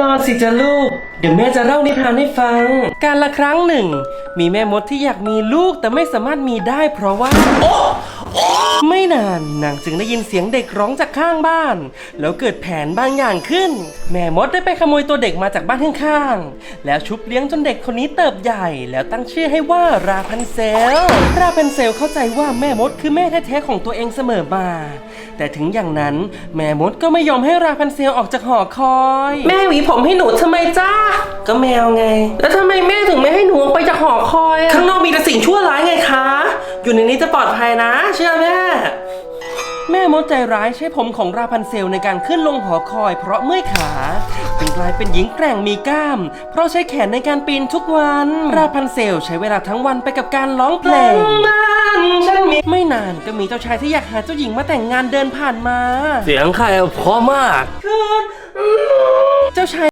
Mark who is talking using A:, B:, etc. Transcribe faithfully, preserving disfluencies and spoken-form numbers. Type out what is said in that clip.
A: อนสิจ้ะลูกเดี๋ยวแม่จะเล่านิทานให้ฟังการละครั้งหนึ่งมีแม่มดที่อยากมีลูกแต่ไม่สามารถมีได้เพราะว่าโอ้ไม่นานนางจึงได้ยินเสียงเด็กร้องจากข้างบ้านแล้วเกิดแผนบางอย่างขึ้นแม่มดได้ไปขโมยตัวเด็กมาจากบ้านข้างๆแล้วชุบเลี้ยงจนเด็กคนนี้เติบใหญ่แล้วตั้งชื่อให้ว่าราพันเซลราพันเซลเข้าใจว่าแม่มดคือแม่แท้ๆของตัวเองเสมอมาแต่ถึงอย่างนั้นแม่มดก็ไม่ยอมให้ราพันเซลออกจากหอคอยแม่หวีผมให้หนูทำไมจ้าก็แมวไงแล้วทำไมแม่ถึงไม่ให้หนูออกไปจากหอคอยข้างนอกมีแต่สิ่งชั่วร้ายไงคะอยู่ในนี้จะปลอดภัยนะเชื่อแม่แม่มดใจร้ายใช้ผมของราพันเซลในการขึ้นลงหอคอยเพราะเมื่อยขาจึงกลายเป็นหญิงแกร่งมีกล้ามเพราะใช้แขนในการปีนทุกวันราพันเซลใช้เวลาทั้งวันไปกับการร้องเพลงไม่นานก็มีเจ้าชายที่อยากหาเจ้าหญิงมาแต่งงานเดินผ่านมาเสียงใครเพราะมากเจ้าชาย